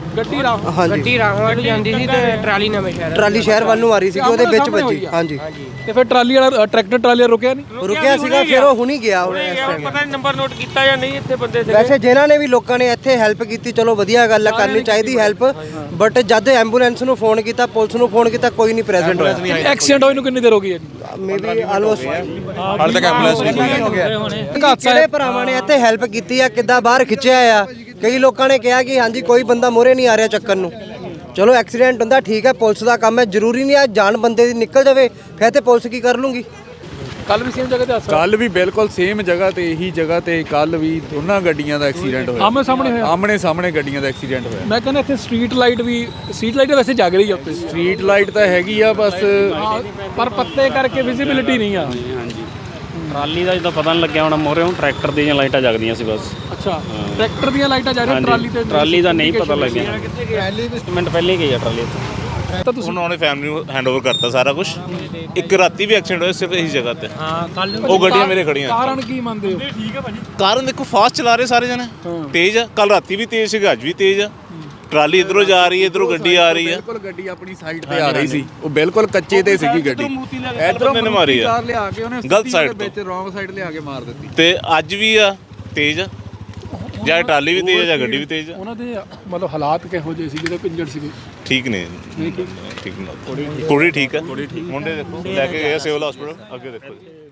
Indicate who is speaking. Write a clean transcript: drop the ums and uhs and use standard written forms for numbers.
Speaker 1: ਗੱਡੀ
Speaker 2: ਹਾਂਜੀ
Speaker 3: ਰਾਹੋਂ ਜਾਂਦੀ ਸੀ ਤੇ ਟਰਾਲੀ ਨਵੇਂ ਸ਼ਹਿਰ
Speaker 2: ਟਰਾਲੀ ਸ਼ਹਿਰ ਵੱਲ ਨੂੰ ਆ ਰਹੀ ਸੀ ਉਹਦੇ ਵਿੱਚ ਵੱਜੀ। ਹਾਂਜੀ
Speaker 1: ਤੇ ਫਿਰ ਟਰਾਲੀ ਵਾਲਾ ਟਰੈਕਟਰ ਟਰਾਲੀ ਵਾਲਾ ਰੁਕਿਆ ਨਹੀਂ?
Speaker 2: ਰੁਕਿਆ ਸੀਗਾ, ਫਿਰ ਉਹ ਹੁਣੀ ਗਿਆ ਹੁਣ ਇਸ ਟਾਈਮ।
Speaker 3: ਪਤਾ ਨਹੀਂ ਨੰਬਰ ਨੋਟ ਕੀਤਾ ਜਾਂ ਨਹੀਂ ਇੱਥੇ ਬੰਦੇ
Speaker 2: ਵੈਸੇ ਜਿਨ੍ਹਾਂ ਨੇ ਵੀ ਲੋਕਾਂ ਨੇ ਇੱਥੇ ਹੈਲਪ ਕੀਤੀ, ਚਲੋ ਵਧੀਆ ਗੱਲ ਹੈ, ਕਰਨੀ ਚਾਹੀਦੀ ਹੈਲਪ, ਬਟ ਜਦ ਐਂਬੂਲੈਂਸ ਨੂੰ ਫੋਨ ਕੀਤਾ, ਪੁਲਿਸ ਨੂੰ ਫੋਨ ਕੀਤਾ, ਕੋਈ ਨਹੀਂ ਪ੍ਰੈਜ਼ੈਂਟ ਹੋਇਆ।
Speaker 1: ਐਕਸੀਡੈਂਟ ਹੋਏ ਨੂੰ ਕਿੰਨੀ ਦੇਰ ਹੋ ਗਈ ਹੈ?
Speaker 2: ਮੇਬੀ ਆਲਮੋਸਟ
Speaker 4: ਹਾਲੇ ਤੱਕ ਐਂਬੂਲੈਂਸ ਨਹੀਂ ਹੋ ਗਿਆ।
Speaker 2: ਕਿਹੜੇ ਭਰਾਵਾਂ ਨੇ ਇੱਥੇ ਹੈਲਪ ਕੀਤੀ ਆ, ਕਿੱਦਾਂ ਬਾਹਰ ਖਿੱਚਿਆ ਆ। ਕਈ ਲੋਕਾਂ ਨੇ ਕਿਹਾ ਕਿ ਹਾਂਜੀ ਕੋਈ ਬੰਦਾ ਮੋਰੇ ਨਹੀਂ ਆ ਰਿਹਾ ਚੱਕਣ ਨੂੰ। ਚਲੋ ਐਕਸੀਡੈਂਟ ਹੁੰਦਾ, ਠੀਕ ਹੈ, ਪੁਲਿਸ ਦਾ ਕੰਮ ਹੈ, ਜ਼ਰੂਰੀ ਨਹੀਂ ਆ ਜਾਨ ਬੰਦੇ ਦੀ ਨਿਕਲ ਜਾਵੇ ਫਿਰ ਤੇ ਪੁਲਿਸ ਕੀ ਕਰ ਲੂੰਗੀ।
Speaker 1: ਕੱਲ ਵੀ ਸੇਮ ਜਗ੍ਹਾ ਤੇ ਹਾਦਸਾ?
Speaker 4: ਕੱਲ ਵੀ ਬਿਲਕੁਲ ਸੇਮ ਜਗ੍ਹਾ ਤੇ, ਇਹੀ ਜਗ੍ਹਾ ਤੇ ਕੱਲ ਵੀ ਦੋਨਾਂ ਗੱਡੀਆਂ ਦਾ ਐਕਸੀਡੈਂਟ ਹੋਇਆ।
Speaker 1: ਆਮਣੇ ਸਾਹਮਣੇ ਹੋਇਆ?
Speaker 4: ਆਮਣੇ ਸਾਹਮਣੇ ਗੱਡੀਆਂ ਦਾ ਐਕਸੀਡੈਂਟ ਹੋਇਆ।
Speaker 1: ਮੈਂ ਕਹਿੰਦਾ ਇੱਥੇ ਸਟਰੀਟ ਲਾਈਟ ਵੈਸੇ ਜਗ ਰਹੀ ਆ ਉੱਤੇ।
Speaker 4: ਸਟਰੀਟ ਲਾਈਟ ਤਾਂ ਹੈਗੀ ਆ ਬਸ,
Speaker 1: ਪਰ ਪੱਤੇ ਕਰਕੇ ਵਿਜ਼ਿਬਿਲਿਟੀ ਨਹੀਂ ਆ।
Speaker 5: ਹਾਂਜੀ ਟਰਾਲੀ ਦਾ ਜਦੋਂ ਪਤਾ ਨਹੀਂ ਲੱਗਿਆ ਹੁਣ ਮੋਹਰੇ ਟਰੈਕਟਰ ਦੀਆਂ ਲਾਈਟਾਂ ਜਗਦੀਆਂ ਸੀ ਬਸ।
Speaker 1: ਅੱਛਾ, ਟਰੈਕਟਰ ਦੀਆਂ ਲਾਈਟਾਂ ਜਾ ਰਹੀਆਂ,
Speaker 5: ਟਰਾਲੀ ਦਾ ਨਹੀਂ ਪਤਾ ਲੱਗਿਆ। ਮਿੰਟ ਪਹਿਲੇ ਗਈ ਆ ਟਰਾਲੀ
Speaker 1: ਤਾਂ ਤੁਸੀਂ
Speaker 6: ਉਹਨਾਂ ਨੇ ਫੈਮਿਲੀ ਨੂੰ ਹੈਂਡਓਵਰ ਕਰਤਾ ਸਾਰਾ ਕੁਝ। ਇੱਕ ਰਾਤੀ ਵੀ ਐਕਸੀਡੈਂਟ ਹੋਇਆ ਸਿਰਫ ਇਹੀ ਜਗ੍ਹਾ ਤੇ। ਹਾਂ ਕੱਲ ਉਹ ਗੱਡੀਆਂ ਮੇਰੇ ਖੜੀਆਂ।
Speaker 1: ਕਾਰਨ ਕੀ ਮੰਨਦੇ ਹੋ? ਠੀਕ ਹੈ ਭਾਜੀ।
Speaker 6: ਕਾਰਨ ਦੇਖੋ ਫਾਸਟ ਚਲਾ ਰਹੇ ਸਾਰੇ ਜਣੇ, ਤੇਜ਼ ਆ। ਕੱਲ ਰਾਤੀ ਵੀ ਤੇਜ਼ ਸੀਗਾ, ਅੱਜ ਵੀ ਤੇਜ਼ ਆ। ਟਰਾਲੀ ਇਧਰੋਂ ਜਾ ਰਹੀ ਹੈ, ਇਧਰੋਂ ਗੱਡੀ ਆ ਰਹੀ ਹੈ।
Speaker 4: ਬਿਲਕੁਲ ਗੱਡੀ ਆਪਣੀ ਸਾਈਡ ਤੇ ਆ ਰਹੀ ਸੀ, ਉਹ ਬਿਲਕੁਲ ਕੱਚੇ ਤੇ ਸੀਗੀ ਗੱਡੀ।
Speaker 6: ਇਧਰੋਂ ਨੇ ਮਾਰੀ ਆ,
Speaker 4: ਲਿਆ ਕੇ ਉਹਨੇ
Speaker 6: ਗਲਤ ਸਾਈਡ
Speaker 4: ਵਿੱਚ ਰੋਂਗ ਸਾਈਡ ਲਿਆ ਕੇ ਮਾਰ ਦਿੱਤੀ।
Speaker 6: ਤੇ ਅੱਜ ਵੀ ਆ ਤੇਜ਼ ਆ, ਜਾਂ ਟਰਾਲੀ ਵੀ ਤੇਜ਼ ਆ ਜਾਂ ਗੱਡੀ ਵੀ ਤੇਜ਼ ਆ।
Speaker 1: ਉਹਨਾਂ ਦੇ ਮਤਲਬ ਹਾਲਾਤ ਕਿਹੋ ਜਿਹੇ ਸੀ ਜਦੋਂ ਇੰਜਰਡ ਸੀਗੇ?
Speaker 6: ਠੀਕ ਨੇ, ਠੀਕ ਨੇ। ਕੁੜੀ ਠੀਕ ਆ, ਮੁੰਡੇ ਦੇਖੋ ਲੈ ਕੇ ਗਏ ਸਿਵਲ ਹਸਪੀਟਲ, ਅੱਗੇ ਦੇਖੋ ਜੀ।